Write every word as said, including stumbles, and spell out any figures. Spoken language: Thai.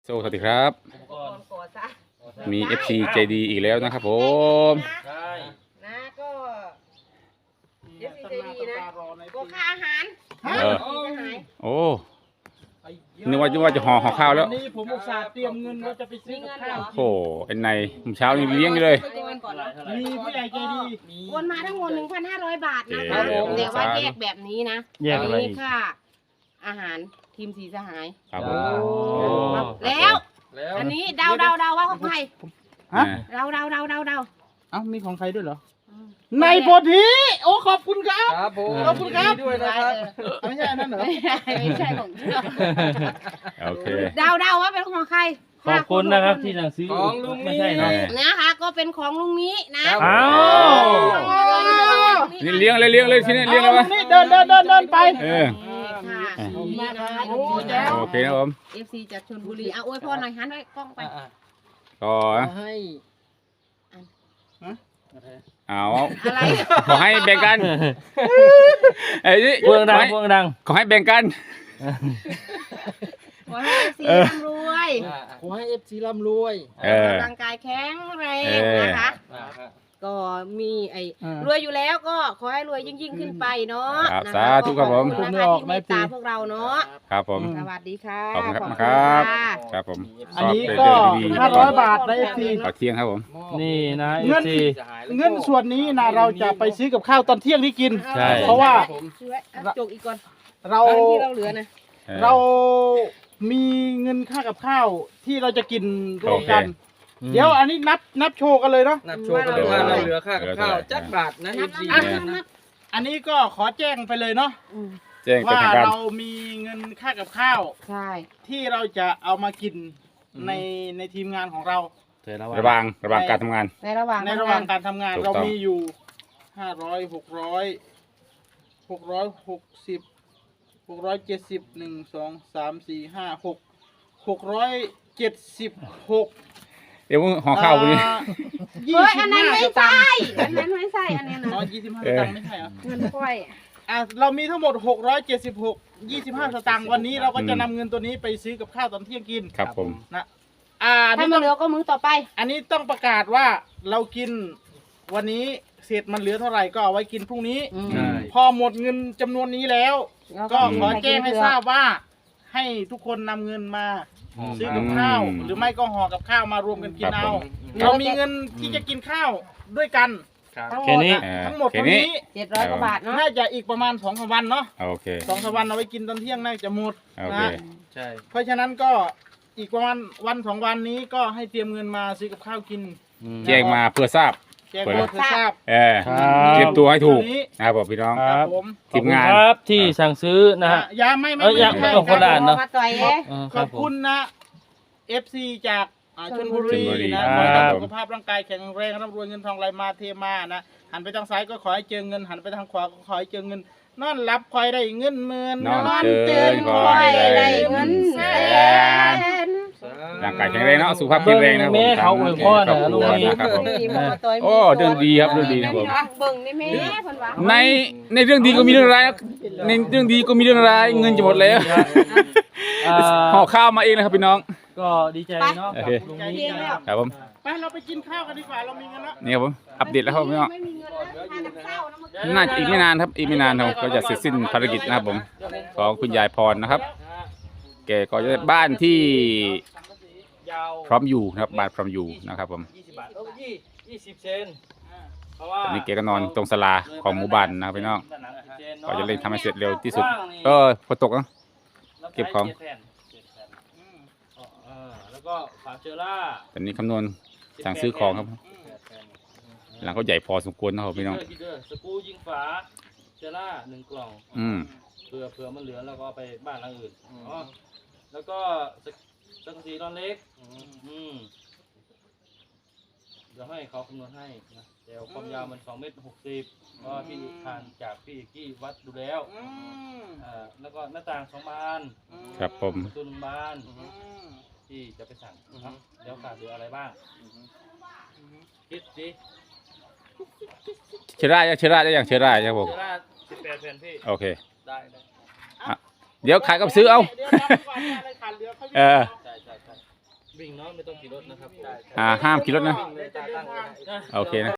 สวัสดีครับมี เอฟ ซี ใจดีอีกแล้วนะครับผมใช่นะก็ เอฟ ซี ใจดีนะก็ค่าอาหารเออโอ้นึกว่าว่าจะห่อห่อข้าวแล้วนี่ผมอุตส่าห์เตรียมเงินว่าจะไปซื้อกับข้าวโอ้ไอ้ในเช้านี่เลี้ยงอยู่เลยมีผู้ใหญ่ใจดีโอนมาทั้งหมด หนึ่งพันห้าร้อย บาทนะครับผมแต่ว่าแยกแบบนี้นะแยกอะไรค่าอาหารทีมสีสหายครับผมแล้วอันนี้เดาเดาเดาว่าของใครฮะเดาเดาเดาเดาเดาเอ้ามีของใครด้วยเหรอในโพธิโอ้ขอบคุณครับครับผมขอบคุณครับด้วยนะครับไม่ใช่อันนั้นเหรอไม่ใช่ของเชื่อโอเคเดาเดาว่าเป็นของใครขอบคุณนะครับที่สั่งซื้อของลุงนี้นะคะก็เป็นของลุงนี้นะอ้าวนี่เลี้ยงเลยเลี้ยงเลยที่นี่เลี้ยงเลยวะนี่เดินเดินเดินเดินไปเออโอเคนะผมเอฟซีจากชลบุรีเอาอวยพรหน่อยหันไว้กล้องไปก็ให้เอาขอให้แบ่งกันไอ้นี่พวงดังพวงดังขอให้แบ่งกันขอให้เอฟซีร่ำรวยขอให้เอฟซีร่ำรวยร่างกายแข็งแรงนะคะก็มีไอ้รวยอยู่แล้วก็ขอให้รวยยิ่งยิ่งขึ้นไปเนาะสาธุครับผมคุณนะคะที่เมตตาพวกเราเนาะครับผมสวัสดีค่ะขอบคุณครับครับผมอันนี้ก็ห้าร้อยบาทนะเอฟซีขอเที่ยงครับผมนี่นะเอฟซีเงินส่วนนี้นะเราจะไปซื้อกับข้าวตอนเที่ยงที่กินเพราะว่าจกอีกก่อนเราที่เราเหลือนะเรามีเงินค่ากับข้าวที่เราจะกินรวมกันเดี๋ยวอันนี้นับนับโชว์กันเลยเนาะนับโชว์กันเลยว่าเราเหลือค่ากับข้าวจักบาทนะเอฟซีอันนี้ก็ขอแจ้งไปเลยเนาะว่าเรามีเงินค่ากับข้าวใช่ที่เราจะเอามากินในในทีมงานของเราระหว่างระหว่างการทำงานในระหว่างในระหว่างการทำงานเรามีอยู่ห้าร้อยหกร้อยหกร้อยหกสิบหกร้อยเจ็ดสิบหนึ่งสองสามสี่ห้าหกหกร้อยเจ็ดสิบหกเดี๋ยวห่อข้าววันนี้เฮ้ยอันนั้นไม่ใช่อันนั้นไม่ใช่อันนี้นะอ๋อยี่สิบห้าสตางค์ไม่ใช่เหรอเงินค่อยอ่ะเรามีทั้งหมดหกร้อยเจ็ดสิบหก ยี่สิบห้าสตางค์วันนี้เราก็จะนำเงินตัวนี้ไปซื้อกับข้าวตอนเที่ยงกินครับผมนะอ่าถ้ามันเหลือก็มื้อต่อไปอันนี้ต้องประกาศว่าเรากินวันนี้เศษมันเหลือเท่าไหร่ก็เอาไว้กินพรุ่งนี้พอหมดเงินจำนวนนี้แล้วก็ขอแจ้งให้ทราบว่าให้ทุกคนนำเงินมาซื้อกับข้าวหรือไม่ก็ห่อกับข้าวมารวมกันกินเอาเรามีเงินที่จะกินข้าวด้วยกันทั้งหมดทั้งหมดตรงนี้เจ็ดร้อยกว่าบาทเนาะน่าจะอีกประมาณสองสามวันเนาะโอเคสองสามวันเอาไว้กินตอนเที่ยงน่าจะหมดนะใช่เพราะฉะนั้นก็อีกประมาณวันสองวันนี้ก็ให้เตรียมเงินมาซื้อกับข้าวกินแจ้งมาเพื่อทราบแจ้งมาเพื่อทราบเออเตรียมตัวให้ถูกนะครับผมพี่น้องครับทีมงานครับที่สั่งซื้อนะฮะยาไม่ไม่ไม่ต้องคนละอันเนาะขอบคุณนะ เอฟ ซี จากชลบุรีนะขอให้สุขภาพร่างกายแข็งแรงร่ำรวยเงินทองไหลมาเทมานะหันไปทางซ้ายก็ขอให้เจอเงินหันไปทางขวาก็ขอให้เจอเงินนอนรับคอยได้เงินหมื่นนอนเตือนคอยได้เงินแสนร่างกายแข็งแรงเนาะสุขภาพแข็งแรงนะผมแม่เขาอวยพรนะลุงนี่โอ้เรื่องดีครับเรื่องดีนะผมเบิ่งนี่แม่เพิ่นว่าในในเรื่องดีก็มีเรื่องร้ายในเรื่องดีก็มีเรื่องร้ายเงินจะหมดแล้วห่อข้าวมาเองนะครับพี่น้องก็ดีใจเนาะลุงนี่ครับผมไปเราไปกินข้าวกันดีกว่าเรามีเงินแล้วนี่ครับผมอัปเดตแล้วครับพี่น้องน่าจะอีกไม่นานครับอีกไม่นานเราก็จะเสร็จสิ้นภารกิจนะครับผมของคุณยายพรนะครับแกก็จะได้บ้านที่พร้อมอยู่นะครับบ้านพร้อมอยู่นะครับผมตอนนี้แกก็นอนตรงศาลาของหมู่บ้านนะครับพี่น้องก็จะเร่งทำให้เสร็จเร็วที่สุดเออฝนตกนะเก็บของแล้วก็ฝาเชอร่าตอนนี้คำนวณสั่งซื้อของครับหลังก็ใหญ่พอสมควรนะครับพี่น้องสกูยิงฝาเชอร่าหนึ่งกล่องเผื่อเผื่อมันเหลือแล้วก็ไปบ้านหลังอื่นอ๋อแล้วก็สังกะสีนอนเล็กอืมเดี๋ยวให้เขาคำนวณให้นะเดี๋ยวความยาวมันสองเมตรหกสิบก็ที่ทานจากพี่กี้วัดดูแล้วอ่าแล้วก็หน้าต่างสองบานครับผมประตูหนึ่งบานที่จะไปสั่งนะเดี๋ยวขาดเหลืออะไรบ้างคิดสิเชื้อรายังเชื้อราได้ยังเชื้อราครับผมเชื้อราสิบแปดแผ่นพี่โอเคได้ได้เดี๋ยวขายกับซื้อเอาเออวิ่งเนาะไม่ต้องขี่รถนะครับอ่าห้ามขี่รถนะวิ่งเลยตาตั้งเลยโอเคนะ